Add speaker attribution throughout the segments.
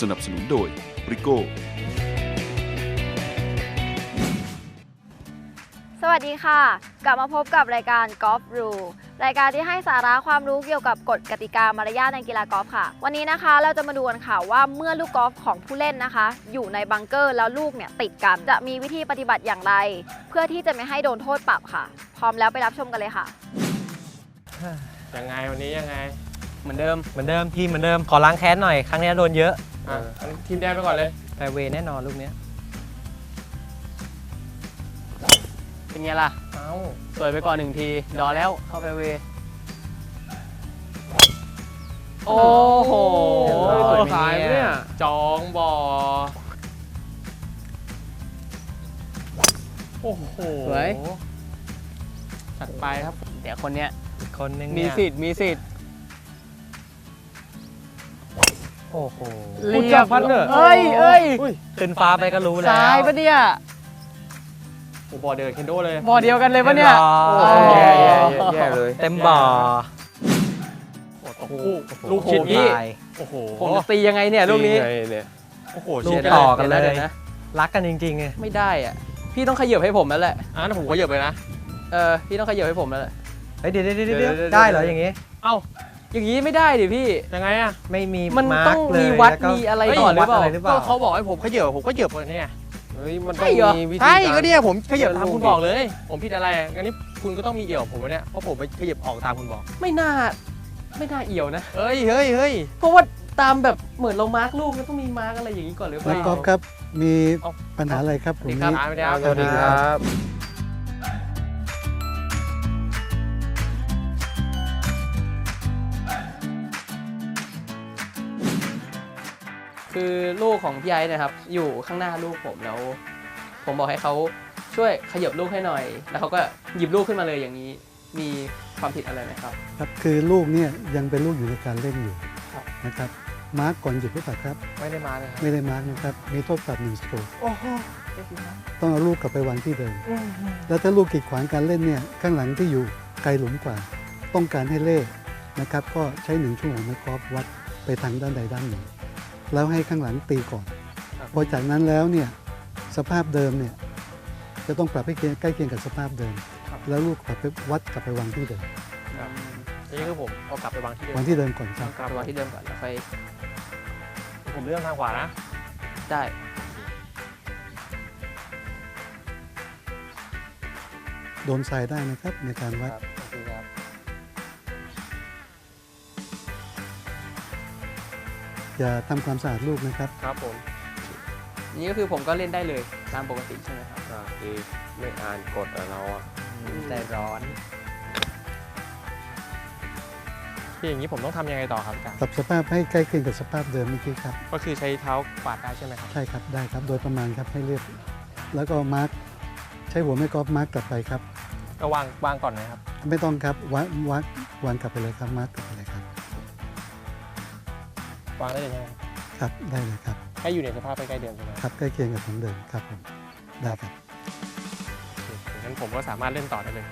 Speaker 1: นับสนุนโดยบริโก้
Speaker 2: สวัสดีค่ะกลับมาพบกับรายการกอล์ฟรูรายการที่ให้สาระความรู้เกี่ยวกับกฎกติกามารยาทในกีฬากอล์ฟค่ะวันนี้นะคะเราจะมาดูกันค่ะว่าเมื่อลูกกอล์ฟของผู้เล่นนะคะ อยู่ในบังเกอร์แล้วลูกเนี่ยติดกันจะมีวิธีปฏิบัติอย่างไร เพื่อที่จะไม่ให้โดนโทษปรับค่ะ พร้อมแล้วไปรับชมกันเลยค่ะ
Speaker 3: ยังไงวันนี้ยังไง
Speaker 4: เหมือนเดิมทีมเหมือนเดิมขอล้างแค้นหน่อยครั้งนี้โดนเยอะ
Speaker 3: ทีมแดงไปก่อนเลย
Speaker 4: แฟร์เวย์แน่นอนลูกนี้เป็นไงล่ะ
Speaker 3: เอ้า
Speaker 4: สวยไปก่อน1 ทีดอแล้วเข้าแฟร์เวย์โอ้โห
Speaker 3: สวย
Speaker 4: ไหม
Speaker 3: สายเนี่ยจองบ่อโอ้โห
Speaker 4: สวย
Speaker 3: จัดไปครับ
Speaker 4: เดี๋ยวคนเนี้ย
Speaker 5: อีกคนนึง
Speaker 4: มี
Speaker 5: เนี่ย
Speaker 4: สิทธิ์
Speaker 5: โอ้โห
Speaker 3: คุณจับพัดเนอะ
Speaker 4: เอ้ย
Speaker 5: ขึ้นฟ้าไปก็รู้แล้ว
Speaker 4: ซ้ายปะเนี่ย
Speaker 3: โอ้บ่อเดือดเคนโดเลย
Speaker 4: บ่อเดียวกันเลยปะเนี่ย
Speaker 5: โอ้
Speaker 3: แย่เลย
Speaker 5: เต็มบ่อ
Speaker 3: โอ้โหลูกชิด
Speaker 4: โอ้โหพี่
Speaker 3: นี่
Speaker 5: ตาย
Speaker 3: โอ้โห
Speaker 4: ผมจะตียังไงเนี่ยลูกนี้
Speaker 3: ไงเนี่ยโอ้โห
Speaker 5: ลู
Speaker 3: เชีย
Speaker 5: ก
Speaker 3: ร์
Speaker 5: ต่
Speaker 3: ได้
Speaker 5: อกันเลย
Speaker 4: ดี๋วนะ
Speaker 5: รักกันจริงๆไง
Speaker 4: ไม่ได้อ่ะพี่ต้องขยับให้ผมแล้วแหละ
Speaker 3: งั้นผมก็เหยียบไปนะ
Speaker 4: พี่ต้องขยับให้ผมแล้วแหละ
Speaker 5: เฮ้ยเดี๋ยว
Speaker 3: เดี๋ยว
Speaker 5: ได้เหรออย่างงี้
Speaker 3: เอ้า
Speaker 4: อย่างนี้ไม่ได้ดิพี่
Speaker 3: ยังไงอะ
Speaker 5: ไม่มี
Speaker 4: มัน
Speaker 5: า
Speaker 4: ต้อง
Speaker 5: ร์คเลย
Speaker 4: มีวัด
Speaker 5: แล้ก็
Speaker 4: มีอะไร
Speaker 5: เฮ้ย
Speaker 4: ก่อนหรือเปล่า
Speaker 5: วัดะไหรือเป
Speaker 3: ก็
Speaker 5: ล่า
Speaker 3: เขาบอกให้ผมขยับผมก็เหยียบเลยเนี่ยเฮ้ยมันต้อง
Speaker 4: ใช่เหรอ
Speaker 3: มีวิธี
Speaker 4: ใช่
Speaker 3: ก็เนี่ยผมขยับตามคุณบอกเลย ผมผิดอะไรงั้นนี่คุณก็ต้องมีเอี่ยวผมวะเนี่ยเพราะผมไปขยับออกตามคุณบอก
Speaker 4: ไม่น่าเอี่ยวนะ
Speaker 3: เฮ้ย
Speaker 4: เพราะว่าตามแบบเหมือนเรามาร์กลูกแล้วต้องมีมาร์กอะไรอย่างนี้ก่อนหรือเป
Speaker 6: นัก
Speaker 4: ล่าก
Speaker 6: อล์ฟครับ มี
Speaker 3: เอ้า
Speaker 6: ปัญหาอะไรครับผม
Speaker 3: ส
Speaker 6: นี้
Speaker 3: วัสดีครับ
Speaker 4: คือลูกของพี่ไอ้นะครับอยู่ข้างหน้าลูกผมแล้ว ผมบอกให้เขาช่วยขยับลูกให้หน่อย แล้วเขาก็หยิบลูกขึ้นมาเลยอย่างนี้ มีความผิดอะไรไหมครับ
Speaker 6: ครับคือลูกเนี่ยยังเป็นลูกอยู่ในการเล่นอยู่
Speaker 4: ครับ
Speaker 6: นะครับมาร์กก่อนหยิบหรือเปล่าครับ
Speaker 3: ไม่ได้มาเลยครับ
Speaker 6: ไม่ได้มาร์กนะครับมีโทษปรับ1 สโตรก
Speaker 3: โอ้โห
Speaker 6: ต้องเอาลูกกลับไปวางที่เดิม แล้วถ้าลูกกีดขวางการเล่นเนี่ยข้างหลังที่อยู่ไกลหลุมกว่า ต้องการให้เล่นะครับก็ใช้1 ชั่วโมงไม้กอล์ฟวัดไปทางด้านใดด้านหนึ่งแล้วให้ข้างหลังตีก่อนพอจากนั้นแล้วเนี่ยสภาพเดิมเนี่ยจะต้องปรับให้ใกล้เคียงกับสภาพเดิม แล้วลูกกลับไปวัดกลับไปวางที่เดิม
Speaker 3: นี่คือผมเอากลับไปวางที่เดิม
Speaker 6: วางที่เดิมก่อนครับ
Speaker 4: กลับไปวางที่เดิมก่อนแล้วค่อย
Speaker 3: ผมเลื่อนทางขวานะ
Speaker 4: ได้
Speaker 6: โดนทรายได้นะครับในการวัด
Speaker 3: ครับโอเคครับ
Speaker 6: อย่าทำความสะอาดลูกนะครับ
Speaker 3: ครับผม
Speaker 4: นี่ก็คือผมก็เล่นได้เลยตามปกติใช่ไหมครับ
Speaker 3: คือไม่อ่านกฎเราอ่ะ
Speaker 5: ใจร้อน
Speaker 3: ที่อย่างนี้ผมต้องทำยังไงต่อครับอาจารย์
Speaker 6: ปรับสภาพให้ใกล้เคียงกับสภาพเดิมเมื่อกี้ครับ
Speaker 3: ก็คือใช้เท้ากวาดได้ใช่ไหมครับ
Speaker 6: ใช่ครับได้ครับโดยประมาณครับให้เรียบแล้วก็มาร์กใช้หัวแม่กอล์ฟมาร์กกลับไปครับ
Speaker 3: ก็วางก่อนนะครับ
Speaker 6: ไม่ต้องครับวางกลับไปเลยครับมาร์กกลับไปเลยครับ
Speaker 3: วางได้เลยใช่ไหม
Speaker 6: ครับได้เลยครับ
Speaker 3: ให้อยู่ในสภาพใกล้ๆเดิมใช่ไหม
Speaker 6: ครับใกล้เคียงกับของเดิมครับผมได้ครับ
Speaker 3: งั้นผมก็สามารถเล่นต่อได้เลย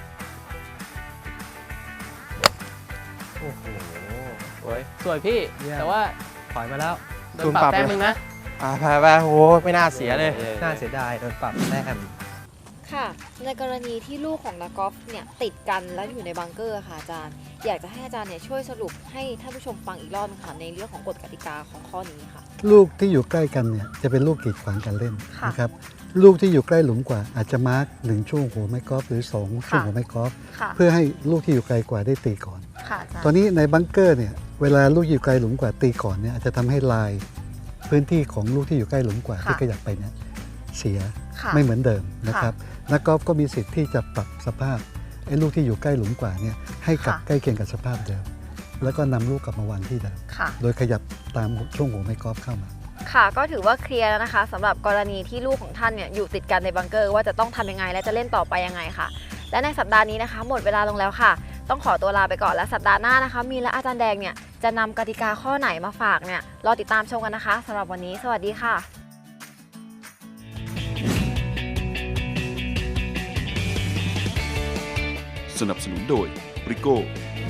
Speaker 5: โอ้โห
Speaker 3: โอ้ย
Speaker 4: สวยพี่
Speaker 5: เยี่ยม
Speaker 4: แต่ว่า
Speaker 5: ถอยมาแล้ว
Speaker 4: โดนปรับแต้มนึงนะ
Speaker 3: ไปโอ้ไม่น่าเสียเลย
Speaker 5: น่าเสียดายโดนปรับแต้ม
Speaker 2: ค่ะ ในกรณีที่ลูกของนักกอล์ฟเนี่ยติดกันแล้วอยู่ในบังเกอร์ค่ะอาจารย์ อยากจะให้อาจารย์เนี่ยช่วยสรุปให้ท่านผู้ชมฟังอีกรอบนึงค่ะในเรื่องของกฎกติกาของข้อนี้ค่ะ
Speaker 6: ลูกที่อยู่ใกล้กันเนี่ยจะเป็นลูกกีดขวางการเล่น
Speaker 2: ค่ะ
Speaker 6: นะครับลูกที่อยู่ใกล้หลุมกว่าอาจจะมาร์ก1 ช่วงหัวไม้กอล์ฟหรือ2 ช่วงหัวไม้กอล์ฟ
Speaker 2: ค่ะ
Speaker 6: เพื่อให้ลูกที่อยู่ไกลกว่าได้ตีก่อน
Speaker 2: ค่ะอาจารย์
Speaker 6: ตอนนี้ในบังเกอร์เนี่ยเวลาลูกอยู่ไกลหลุมกว่าตีก่อนเนี่ยอาจจะทำให้ลายพื้นที่ของลูกที่อยู่ใกล้หลุมกว่าที่ขยับไปเนี่ยเสีย
Speaker 2: ค่ะ
Speaker 6: ไม่เหมือนเดิมนะครับนักกอล์ฟก็มีสิทธิ์ที่จะปรับสภาพไอ้ลูกที่อยู่ใกล้หลุมกว่าเนี่ยให้กลับ
Speaker 2: ค่ะ
Speaker 6: ใกล้เคียงกับสภาพเดิม แล้วก็นำลูกกลับมาวางที่เดิม
Speaker 2: ค่ะ
Speaker 6: โดยขยับตามช่วงหัวไม้กอล์ฟเข้ามา
Speaker 2: ค่ะก็ถือว่าเคลียร์แล้วนะคะสำหรับกรณีที่ลูกของท่านเนี่ยอยู่ติดกันในบังเกอร์ว่าจะต้องทำยังไงและจะเล่นต่อไปยังไงค่ะ และในสัปดาห์นี้นะคะ หมดเวลาลงแล้วค่ะ ต้องขอตัวลาไปก่อนและสัปดาห์หน้านะคะ มีและอาจารย์แดงเนี่ยจะนำกติกาข้อไหนมาฝากเนี่ยรอติดตามชมกันนะคะสำหรับวันนี้สวัสดีค่ะ
Speaker 1: สนับสนุนโดยบริโก้